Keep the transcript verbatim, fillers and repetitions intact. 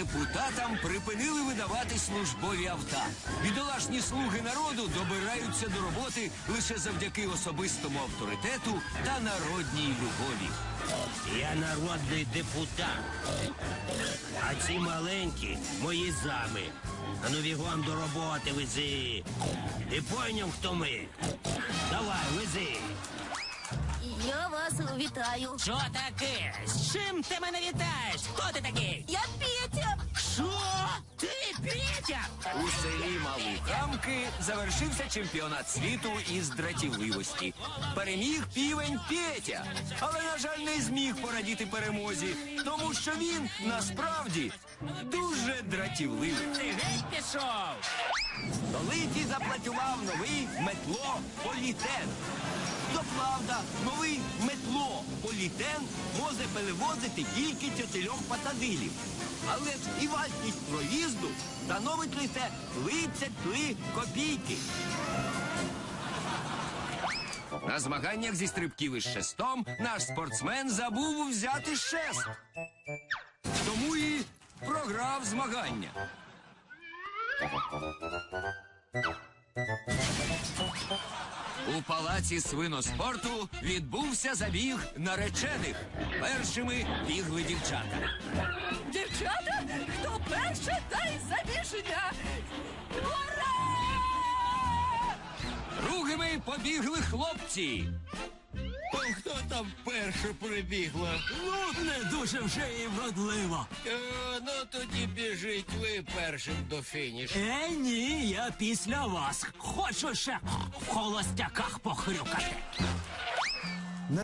депутатам припинили видавати службові авто. Бідолашні слуги народу добираються до роботи лише завдяки особистому авторитету та народній любові. Я народний депутат, а ці маленькі мої зами. А ну бігом до роботи вези. Ти пойняв, хто ми? Давай, вези. Я вас вітаю. Що таке? З чим ти мене вітаєш? Хто ти такий? Я Петя. Що? Ти Петя? У селі Малухамки завершився чемпіонат світу із дратівливості. Переміг півень Петя, але, на жаль, не зміг порадіти перемозі, тому що він, насправді, дуже дратівливий. Ти геть пішов. Столиці заплатював новий метло-політен. То правда, новий метло-політен може перевозити тільки чотирьох пасажирів. Але ж і вартість проїзду становить лише тридцять три копійки. На змаганнях зі стрибків із шестом наш спортсмен забув взяти шест. Тому і програв змагання. У палаці свиноспорту відбувся забіг наречених. Першими бігли дівчата. Дівчата, хто перше, дай забіження. Ура! Другими побігли хлопці. Хто там перше прибігла? Ну, не дуже вже і вродливо. Е, ну тоді біжіть ви першим до фінішу. Е, ні, я після вас. Хочу ще в холостяках похрюкати.